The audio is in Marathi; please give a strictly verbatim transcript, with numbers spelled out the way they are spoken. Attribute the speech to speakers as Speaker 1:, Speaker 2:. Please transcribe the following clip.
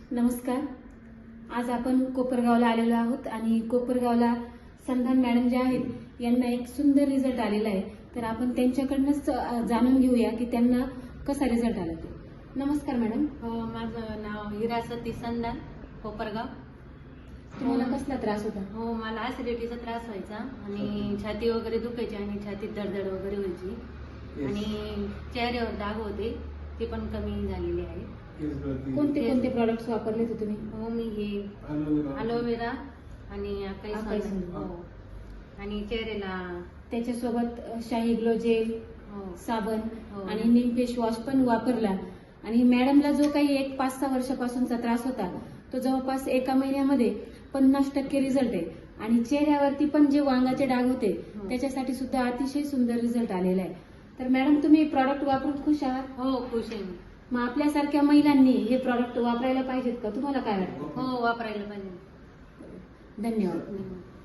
Speaker 1: नमस्कार. आज आपण कोपरगावला आलेलो आहोत आणि कोपरगावला संधान मॅडम जे आहेत यांना एक सुंदर रिझल्ट आलेला आहे. तर आपण त्यांच्याकडनंच जाणून घेऊया की त्यांना कसा रिझल्ट आला ते. नमस्कार मॅडम.
Speaker 2: हो, माझं नाव हिरा सती संधान, कोपरगाव.
Speaker 1: तुम्हाला कसला त्रास होता?
Speaker 2: हो, मला ऍसिडिटीचा त्रास व्हायचा आणि छाती वगैरे दुखायची आणि छातीत दडदड वगैरे व्हायची आणि चेहऱ्यावर डाग होते, ते पण कमी झालेले आहे.
Speaker 1: कोणते कोणते प्रॉडक्ट्स वापरले होते तुम्ही?
Speaker 2: हो, मी हे अलोवेरा आणि अकाई
Speaker 1: अकाई
Speaker 2: सोना,
Speaker 1: सोना.
Speaker 2: हो, आणि चेहऱ्याला
Speaker 1: त्याच्यासोबत शाही ग्लो जेल,
Speaker 2: हो,
Speaker 1: साबण
Speaker 2: हो.
Speaker 1: आणि नीम फेस वॉश पण वापरला. आणि मॅडमला जो काही एक पाच सहा वर्षापासूनचा त्रास होता तो जवळपास एका महिन्यामध्ये पन्नास टक्के रिझल्ट आहे. आणि चेहऱ्यावरती पण जे वांगाचे डाग होते
Speaker 2: हो.
Speaker 1: त्याच्यासाठी सुद्धा अतिशय सुंदर रिझल्ट आलेला आहे. तर मॅडम तुम्ही प्रॉडक्ट वापरून खुश आहात?
Speaker 2: हो, खुश आहे मी.
Speaker 1: मग आपल्यासारख्या महिलांनी हे प्रॉडक्ट वापरायला पाहिजेत का? तुम्हाला काय वाटतं?
Speaker 2: हो, वापरायला पाहिजे.
Speaker 1: धन्यवाद.
Speaker 2: धन्यवाद.